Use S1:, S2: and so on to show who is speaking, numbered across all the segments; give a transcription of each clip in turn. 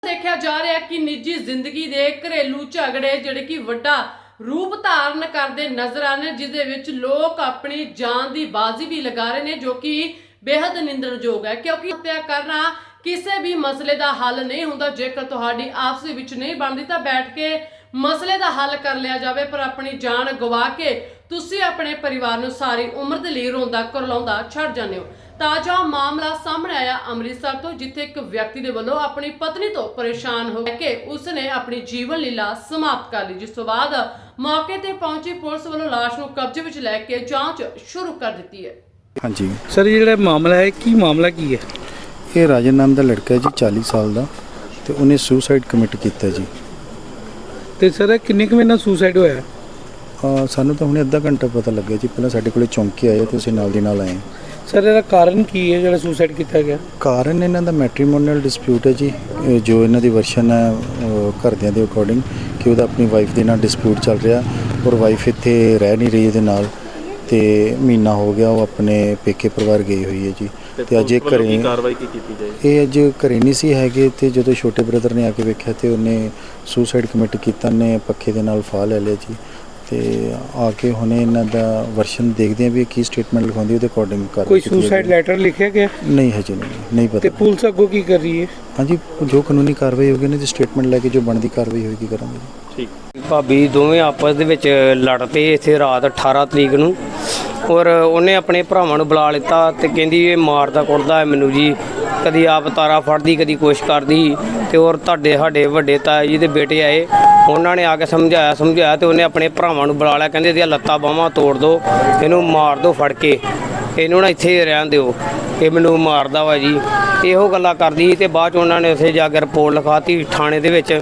S1: देखा जा रहा है कि निजी जिंदगी के घरेलू झगड़े जिहड़े कि वड्डा रूप धारण करते नजर आ रहे, जिसदे विच लोग अपनी जान की बाजी भी लगा रहे हैं, जो कि बेहद निंदणयोग है। क्योंकि हत्या करना किसी भी मसले का हल नहीं होंदा। जेकर तुहाडी आपस विच नहीं बनती तो बैठ के मसले का हल कर लिया जाए, पर अपनी जान गवा के तुसी अपने परिवार नूं सारी उम्र दे लई रोंदा करलाउंदा छड्ड जांदे हो। ताजा मामला सामने आया अमृतसर तो, जिथे एक व्यक्ति दे वल्लों अपनी पत्नी तो परेशान हो के उसने अपनी जीवन लीला समाप्त कर ली, जिस तो बाद मौके ते पहुंची पुलिस वल्लों लाश नूं कब्जे विच लैके जांच शुरू कर दी है।
S2: हाँ जी
S3: सर ये मामला है की मामला की है?
S2: ये राजन नाम का लड़का है जी, 40 साल का, तो उन्हें सुसाइड कमिट किया जी।
S3: तो सर किन्ने क महीना सुसाइड होया?
S2: सानू तो हमने अद्धा घंटा पता लगे जी, पहले साढ़े को चौंकी आए तो असीं नाल दी नाल आए।
S3: सर ਇਹਦਾ ਕਾਰਨ ਕੀ ਹੈ ਜਿਹੜਾ ਸੁਸਾइड ਕੀਤਾ ਗਿਆ?
S2: ਕਾਰਨ ਇਹਨਾਂ ਦਾ ਮੈਟਰੀਮੋਨੀਅਲ ਡਿਸਪਿਊਟ ਹੈ ਜੀ, ਜੋ ਇਹਨਾਂ ਦੀ ਵਰਸ਼ਨ ਹੈ ਘਰਦਿਆਂ ਦੇ ਅਕੋਰਡਿੰਗ ਕਿ ਉਹਦਾ ਆਪਣੀ ਵਾਈਫ ਦੇ ਨਾਲ ਡਿਸਪਿਊਟ ਚੱਲ ਰਿਹਾ, ਔਰ ਵਾਈਫ ਇੱਥੇ ਰਹਿ ਨਹੀਂ ਰਹੀ ਇਹਦੇ ਨਾਲ, ਤੇ ਮਹੀਨਾ ਹੋ ਗਿਆ ਉਹ ਆਪਣੇ ਪੇਕੇ ਪਰਿਵਾਰ ਗਈ ਹੋਈ ਹੈ ਜੀ। ਤੇ ਅੱਜ ਇਹ ਘਰੇ
S4: ਕਾਰਵਾਈ ਕੀ ਕੀਤੀ ਜਾਏ?
S2: ਇਹ ਅੱਜ ਘਰੇ ਨਹੀਂ ਸੀ ਹੈਗੇ, ਤੇ ਜਦੋਂ ਛੋਟੇ ਬ੍ਰਦਰ ਨੇ ਆ ਕੇ ਵੇਖਿਆ ਤੇ ਉਹਨੇ ਸੁਸਾਈਡ ਕਮਿਟ ਕੀਤਾ, ਨੇ ਪੱਖੇ ਦੇ ਨਾਲ ਫਾਹ ਲੈ ਲਿਆ ਜੀ। ਤੇ ਆ ਕੇ ਹੁਣੇ ਇਹਨਾਂ ਦਾ ਵਰਸ਼ਨ ਦੇਖਦੇ ਆ ਵੀ ਕੀ ਸਟੇਟਮੈਂਟ ਲਿਖਾਉਂਦੀ, ਉਹਦੇ ਅਕੋਰਡਿੰਗ ਕਰ
S3: ਕੋਈ ਸੁਸਾਈਡ ਲੈਟਰ ਲਿਖਿਆ ਗਿਆ?
S2: ਨਹੀਂ ਹਜੇ ਨਹੀਂ ਪਤਾ।
S3: ਤੇ ਪੁਲਿਸ ਅੱਗੋਂ ਕੀ ਕਰ ਰਹੀ ਹੈ?
S2: ਹਾਂਜੀ ਜੋ ਕਾਨੂੰਨੀ ਕਾਰਵਾਈ ਹੋਗੀ ਨਾ ਜੀ, ਸਟੇਟਮੈਂਟ ਲੈ ਕੇ ਜੋ ਬਣਦੀ ਕਾਰਵਾਈ ਹੋਏਗੀ ਕਰਾਂਗੇ ਜੀ।
S4: ਠੀਕ।
S5: ਭਾਬੀ ਦੋਵੇਂ ਆਪਸ ਦੇ ਵਿੱਚ ਲੜ ਪਏ ਇੱਥੇ ਰਾਤ 18 ਤਰੀਕ ਨੂੰ, ਔਰ ਉਹਨੇ ਆਪਣੇ ਭਰਾਵਾਂ ਨੂੰ ਬੁਲਾ ਲਿੱਤਾ ਤੇ ਕਹਿੰਦੀ ਇਹ ਮਾਰਦਾ ਕੁੱਟਦਾ ਹੈ ਮੈਨੂੰ ਜੀ, ਕਦੀ ਆਪ ਤਾਰਾ ਫੜਦੀ ਕਦੀ ਕੁਛ ਕਰਦੀ। ਤੇ ਔਰ ਸਾਡੇ ਵੱਡੇ ਤਾਏ ਜੀ ਦੇ ਬੇਟੇ ਆਏ, ਉਹਨਾਂ ਨੇ ਆ ਕੇ ਸਮਝਾਇਆ ਤੇ ਉਹਨੇ ਆਪਣੇ ਭਰਾਵਾਂ ਨੂੰ ਬੁਲਾ ਲਿਆ, ਕਹਿੰਦੇ ਇਹਦੀਆਂ ਲੱਤਾਂ ਬਾਹਾਂ ਤੋੜ ਦਿਓ, ਇਹਨੂੰ ਮਾਰ ਦਿਓ ਫੜ ਕੇ, ਇਹਨੂੰ ਨਾ ਇੱਥੇ ਰਹਿਣ ਦਿਓ, ਇਹ ਮੈਨੂੰ ਮਾਰਦਾ ਵਾ ਜੀ। ਇਹੋ ਗੱਲਾਂ ਕਰਦੀ ਤੇ ਬਾਅਦ 'ਚ ਉਹਨਾਂ ਨੇ ਉੱਥੇ ਜਾ ਕੇ ਰਿਪੋਰਟ ਲਿਖਾਤੀ ਥਾਣੇ ਦੇ ਵਿੱਚ।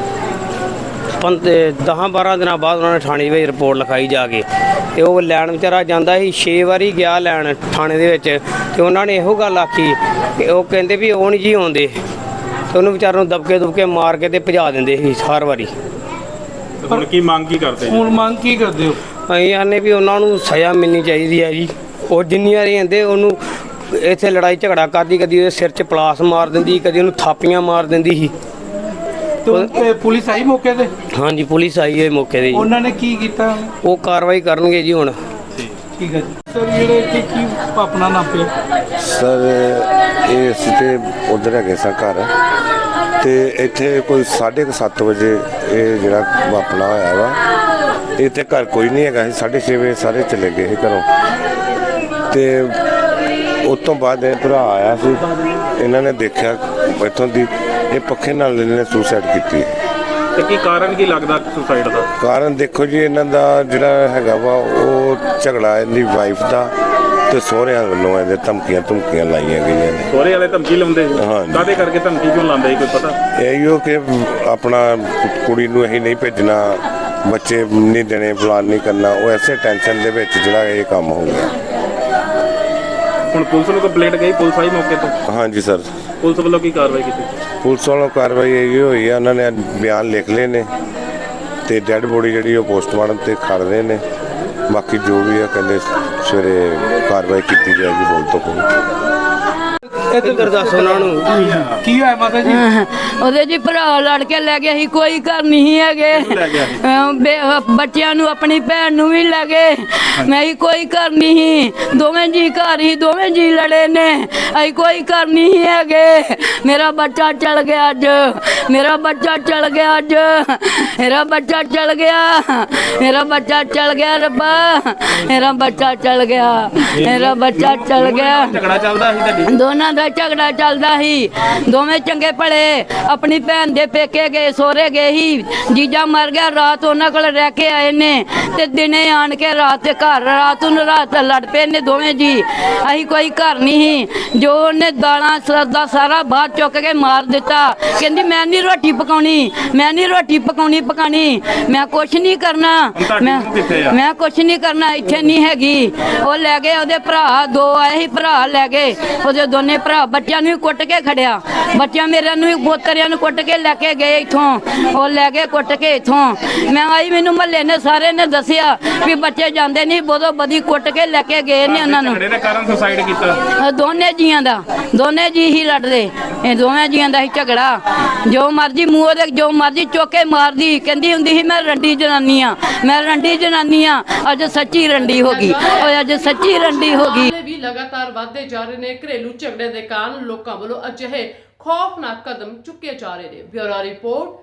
S5: 10-12 ਦਿਨਾਂ ਬਾਅਦ ਉਹਨਾਂ ਨੇ ਥਾਣੇ ਵਿੱਚ ਰਿਪੋਰਟ ਲਿਖਾਈ ਜਾ ਕੇ, ਤੇ ਉਹ ਲੈਣ ਵਿਚਾਰਾ ਜਾਂਦਾ ਸੀ 6 ਵਾਰੀ ਗਿਆ ਲੈਣ ਥਾਣੇ ਦੇ ਵਿੱਚ, ਤੇ ਉਹਨਾਂ ਨੇ ਇਹੋ ਗੱਲ ਆਖੀ ਕਿ ਉਹ ਕਹਿੰਦੇ ਵੀ ਉਹ ਨਹੀਂ ਜੀ ਆਉਂਦੇ, ਤੇ ਉਹਨੂੰ ਵਿਚਾਰੇ ਨੂੰ ਦਬਕੇ ਮਾਰ ਕੇ ਤੇ ਭਜਾ ਦਿੰਦੇ ਸੀ ਹਰ ਵਾਰੀ।
S4: ਹੁਣ ਕੀ ਮੰਗ ਕੀ ਕਰਦੇ ਜੀ?
S3: ਹੁਣ ਮੰਗ ਕੀ ਕਰਦੇ ਹੋ?
S5: ਅਸੀਂ ਆਨੇ ਵੀ ਉਹਨਾਂ ਨੂੰ ਸਜ਼ਾ ਮਿਲਣੀ ਚਾਹੀਦੀ ਹੈ ਜੀ। ਉਹ ਜਿੰਨੀ ਵਾਰੀ ਆਂਦੇ ਉਹਨੂੰ ਇੱਥੇ ਲੜਾਈ ਝਗੜਾ ਕਰਦੀ, ਕਦੀ ਉਹਦੇ ਸਿਰ 'ਚ ਪਲਾਸ ਮਾਰ ਦਿੰਦੀ, ਕਦੀ ਉਹਨੂੰ ਥਾਪੀਆਂ ਮਾਰ ਦਿੰਦੀ ਸੀ।
S3: ਤੇ ਪੁਲਿਸ ਆਈ ਮੌਕੇ ਤੇ?
S5: ਹਾਂਜੀ ਪੁਲਿਸ ਆਈ ਹੈ ਮੌਕੇ ਤੇ ਜੀ।
S3: ਉਹਨਾਂ ਨੇ ਕੀ ਕੀਤਾ?
S5: ਉਹ ਕਾਰਵਾਈ ਕਰਨਗੇ ਜੀ ਹੁਣ।
S3: ਠੀਕ ਹੈ ਜੀ। ਸਰ ਜਿਹੜੇ ਇੱਥੇ ਕੀ ਆਪਣਾ ਨਾਮ ਪਿਆ?
S6: ਸਰ ਇਹ ਅਸੀਂ ਤੇ ਉਧਰ ਹੈਗੇ ਸਾਂ ਘਰ, ਤੇ ਇੱਥੇ ਕੋਈ 7:30 ਵਜੇ ਇਹ ਜਿਹੜਾ ਵਾਪਣਾ ਹੋਇਆ ਵਾ। ਇੱਥੇ ਘਰ ਕੋਈ ਨਹੀਂ ਹੈਗਾ ਸੀ, 6:30 ਵਜੇ ਸਾਰੇ ਚਲੇ ਗਏ ਸੀ ਘਰੋਂ। ਤੇ ਉਸ ਤੋਂ ਬਾਅਦ ਇਹ ਭਰਾ ਆਇਆ ਸੀ, ਇਹਨਾਂ ਨੇ ਦੇਖਿਆ ਇੱਥੋਂ ਦੀ ਇਹ ਪੱਖੇ ਨਾਲ ਇਹਨੇ ਸੁਸਾਈਡ ਕੀਤੀ।
S4: ਤੇ ਕੀ ਕਾਰਨ ਕੀ ਲੱਗਦਾ ਸੁਸਾਈਡ ਦਾ?
S6: ਕਾਰਨ ਦੇਖੋ ਜੀ, ਇਹਨਾਂ ਦਾ ਜਿਹੜਾ ਹੈਗਾ ਵਾ ਉਹ ਝਗੜਾ ਇਹਦੀ ਵਾਈਫ ਦਾ ਤੇ ਸਹੁਰਿਆਂ ਵੱਲੋਂ ਇਹਦੇ ਧਮਕੀਆਂ ਲਾਈਆਂ ਗਈਆਂ ਨੇ।
S4: ਸਹੁਰੇ ਵਾਲੇ ਧਮਕੀ ਲਾਉਂਦੇ?
S6: ਹਾਂਜੀ।
S4: ਕਾਹਦੇ ਕਰਕੇ ਧਮਕੀ ਕਿਉਂ ਲਾਉਂਦੇ ਸੀ, ਕੋਈ ਪਤਾ?
S6: ਇਹੋ ਕਿ ਆਪਣਾ ਕੁੜੀ ਨੂੰ ਅਸੀਂ ਨਹੀਂ ਭੇਜਣਾ, ਬੱਚੇ ਨਹੀਂ ਦੇਣੇ, ਫਲਾਨ ਨਹੀਂ ਕਰਨਾ, ਉਹ ਐਸੇ ਟੈਨਸ਼ਨ ਦੇ ਵਿੱਚ ਜਿਹੜਾ ਇਹ ਕੰਮ ਹੋ ਗਿਆ।
S4: ਹੁਣ ਪੁਲਿਸ ਨੂੰ ਕੰਪਲੇਂਟ ਗਈ, ਪੁਲਿਸ ਆਈ ਮੌਕੇ ਤੇ?
S6: ਹਾਂਜੀ ਸਰ।
S4: ਪੁਲਿਸ ਵੱਲੋਂ ਕੀ ਕਾਰਵਾਈ ਕੀਤੀ?
S6: ਪੁਲਿਸ ਵੱਲੋਂ ਕਾਰਵਾਈ ਇਹ ਹੋਈ ਆ, ਉਹਨਾਂ ਨੇ ਬਿਆਨ ਲਿਖ ਲਏ ਨੇ, ਤੇ ਡੈੱਡ ਬੋਡੀ ਜਿਹੜੀ ਉਹ ਪੋਸਟਮਾਰਟਮ ਤੇ ਖੜ ਰਹੇ ਨੇ। ਬਾਕੀ ਜੋ ਵੀ ਆ ਕਹਿੰਦੇ ਸਵੇਰੇ ਕਾਰਵਾਈ ਕੀਤੀ ਜਾਏਗੀ। ਬੋਲ ਤੋਂ ਕੋਈ
S5: ਇੱਧਰ ਦੱਸ ਉਹਨਾਂ ਨੂੰ
S3: ਕੀ ਹੋਇਆ ਮਾਤਾ ਜੀ?
S7: ਉਹਦੇ ਜੀ ਭਰਾ ਲੜ ਕੇ ਲੈ ਗਿਆ ਸੀ, ਕੋਈ ਘਰ ਨਹੀਂ ਹੈਗੇ। ਬੱਚਿਆਂ ਨੂੰ ਆਪਣੀ ਭੈਣ ਨੂੰ ਵੀ ਲੈ ਗਏ, ਮੈਂ ਹੀ ਕੋਈ ਘਰ ਨਹੀਂ ਸੀ, ਦੋਵੇਂ ਜੀ ਘਰ ਹੀ, ਦੋਵੇਂ ਜੀ ਲੜੇ ਨੇ, ਅਸੀਂ ਕੋਈ ਘਰ ਨਹੀਂ ਹੈਗੇ। ਮੇਰਾ ਬੱਚਾ ਚਲ ਗਿਆ ਅੱਜ, ਮੇਰਾ ਬੱਚਾ ਚਲ ਗਿਆ ਅੱਜ, ਮੇਰਾ ਬੱਚਾ ਚਲ ਗਿਆ, ਮੇਰਾ ਬੱਚਾ ਚਲ ਗਿਆ ਰੱਬਾ, ਮੇਰਾ ਬੱਚਾ ਚਲ ਗਿਆ, ਮੇਰਾ ਬੱਚਾ ਚਲ ਗਿਆ।
S4: ਝਗੜਾ ਚੱਲਦਾ ਸੀ ਤੁਹਾਡੀ?
S7: ਦੋਨਾਂ ਦਾ ਝਗੜਾ ਚੱਲਦਾ ਸੀ, ਦੋਵੇਂ ਚੰਗੇ ਭਲੇ ਆਪਣੀ ਭੈਣ ਦੇ ਪੇਕੇ ਗਏ, ਸਹੁਰੇ ਗਏ ਸੀ। ਜੀਜਾ ਮਰ ਗਿਆ, ਰਾਤ ਉਹਨਾਂ ਕੋਲ ਰਹਿ ਕੇ ਆਏ ਨੇ, ਤੇ ਦਿਨੇ ਆਣ ਕੇ ਰਾਤ ਰਾਤ ਨੂੰ ਲੜ ਪਏ ਨੇ ਦੋਵੇਂ ਜੀ। ਅਸੀਂ ਕੋਈ ਘਰ ਨਹੀਂ ਸੀ, ਜੋ ਉਹਨੇ ਦਾਲਾਂ ਦਾ ਸਾਰਾ ਬਾਹਰ ਚੁੱਕ ਕੇ ਮਾਰ ਦਿੱਤਾ। ਕਹਿੰਦੀ ਮੈਂ ਨਹੀਂ ਰੋਟੀ ਪਕਾਉਣੀ, ਮੈਂ ਨਹੀਂ ਰੋਟੀ ਪਕਾਉਣੀ, ਮੈਂ ਕੁਛ ਨਹੀਂ ਕਰਨਾ, ਮੈਂ ਕੁਛ ਨਹੀਂ ਕਰਨਾ, ਇੱਥੇ ਨਹੀਂ ਹੈਗੀ। ਉਹ ਲੈ ਗਏ ਉਹਦੇ ਭਰਾ, 2 ਆਏ ਸੀ ਭਰਾ ਲੈ ਗਏ, ਉਹਦੇ ਦੋਨੇ ਭਰਾ ਭਰਾ ਬੱਚਿਆਂ ਨੂੰ ਵੀ ਕੁੱਟ ਕੇ ਖੜਿਆ, ਬੱਚਿਆਂ ਮੇਰਿਆਂ ਨੂੰ ਵੀ ਪੋਤਰਿਆਂ ਨੂੰ ਕੁੱਟ ਕੇ ਲੈ ਕੇ ਗਏ ਇੱਥੋਂ, ਉਹ ਲੈ ਕੇ ਕੁੱਟ ਕੇ ਇੱਥੋਂ। ਮੈਂ ਆਈ, ਮੈਨੂੰ ਮਹੱਲੇ ਨੇ ਸਾਰੇ ਨੇ ਦੱਸਿਆ ਵੀ ਬੱਚੇ ਜਾਂਦੇ ਨਹੀਂ, ਬੋਦੋ ਬਦੀ ਕੁੱਟ ਕੇ ਲੈ ਕੇ ਗਏ ਨੇ ਉਹਨਾਂ ਨੂੰ।
S4: ਝਗੜੇ ਦੇ ਕਾਰਨ ਸੁਸਾਈਡ ਕੀਤਾ?
S7: ਦੋਨੇ ਜੀਆਂ ਦਾ, ਦੋਨੇ ਜੀ ਹੀ ਲੜਦੇ, ਇਹ ਦੋਵੇਂ ਜੀਆਂ ਦਾ ਹੀ ਝਗੜਾ। ਜੋ ਮਰਜੀ ਮੂੰਹ ਦੇ ਜੋ ਮਰਜੀ ਚੋਕੇ ਮਾਰਦੀ, ਕਹਿੰਦੀ ਹੁੰਦੀ ਸੀ ਮੈਂ ਰੰਡੀ ਜਨਾਨੀ ਆ, ਮੈਂ ਰੰਡੀ ਜਨਾਨੀ ਆ। ਅੱਜ ਸੱਚੀ ਰੰਡੀ ਹੋ ਗਈ, ਉਹ ਅੱਜ ਸੱਚੀ ਰੰਡੀ ਹੋ ਗਈ।
S1: ਮਾਮਲੇ ਵੀ ਲਗਾਤਾਰ ਵਧਦੇ ਜਾ ਰਹੇ ਨੇ। ਘਰੇਲੂ ਝਗੜੇ ਦੇ ਕਾਰਨ ਲੋਕਾਂ ਵੱਲੋਂ ਅਜਿਹੇ ਖੌਫਨਾਕ ਕਦਮ ਚੁੱਕੇ ਜਾ ਰਹੇ ਨੇ। Bureau report.